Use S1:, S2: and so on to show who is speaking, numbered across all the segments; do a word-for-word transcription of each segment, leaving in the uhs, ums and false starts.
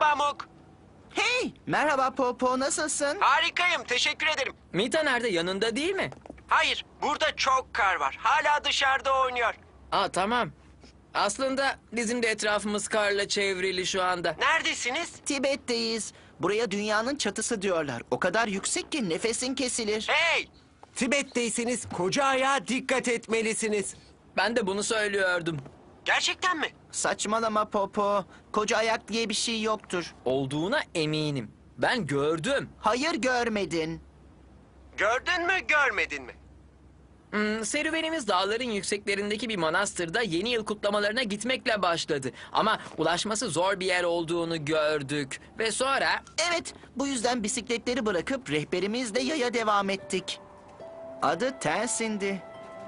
S1: Pamuk.
S2: Hey, merhaba Popo, nasılsın?
S1: Harikayım, teşekkür ederim.
S3: Mita nerede? Yanında değil mi?
S1: Hayır, burada çok kar var. Hala dışarıda oynuyor.
S3: Aa tamam. Aslında bizim de etrafımız karla çevrili şu anda.
S1: Neredesiniz?
S2: Tibet'teyiz. Buraya dünyanın çatısı diyorlar. O kadar yüksek ki nefesin kesilir.
S1: Hey!
S4: Tibet'teyseniz koca ayağa dikkat etmelisiniz.
S3: Ben de bunu söylüyordum.
S1: Gerçekten mi?
S2: Saçmalama Popo. Koca ayak diye bir şey yoktur.
S3: Olduğuna eminim. Ben gördüm.
S2: Hayır, görmedin.
S1: Gördün mü, görmedin mi?
S3: Hmm, serüvenimiz dağların yükseklerindeki bir manastırda yeni yıl kutlamalarına gitmekle başladı. Ama ulaşması zor bir yer olduğunu gördük. Ve sonra...
S2: Evet, bu yüzden bisikletleri bırakıp rehberimizle yaya devam ettik. Adı Tensin'di.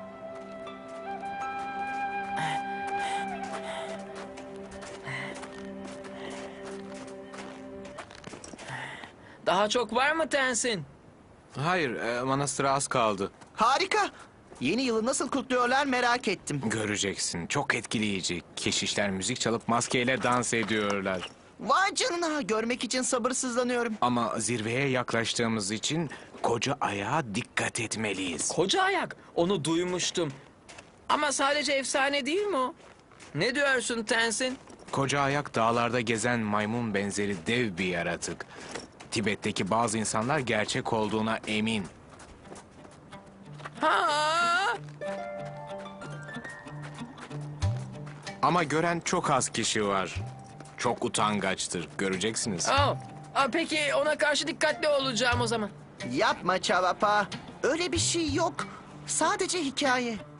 S3: Daha çok var mı Tensin?
S5: Hayır, e, manastıra az kaldı.
S2: Harika. Yeni yılı nasıl kutluyorlar merak ettim.
S5: Göreceksin, çok etkileyici. Keşişler müzik çalıp maskeyle dans ediyorlar.
S2: Vay canına, görmek için sabırsızlanıyorum.
S5: Ama zirveye yaklaştığımız için koca ayağa dikkat etmeliyiz.
S3: Koca ayak. Onu duymuştum. Ama sadece efsane değil mi o? Ne diyorsun Tensin?
S5: Koca ayak dağlarda gezen maymun benzeri dev bir yaratık. Tibet'teki bazı insanlar gerçek olduğuna emin.
S3: Ha!
S5: Ama gören çok az kişi var. Çok utangaçtır, göreceksiniz.
S3: Aa, aa, peki ona karşı dikkatli olacağım o zaman.
S2: Yapma Çavapa. Öyle bir şey yok. Sadece hikaye.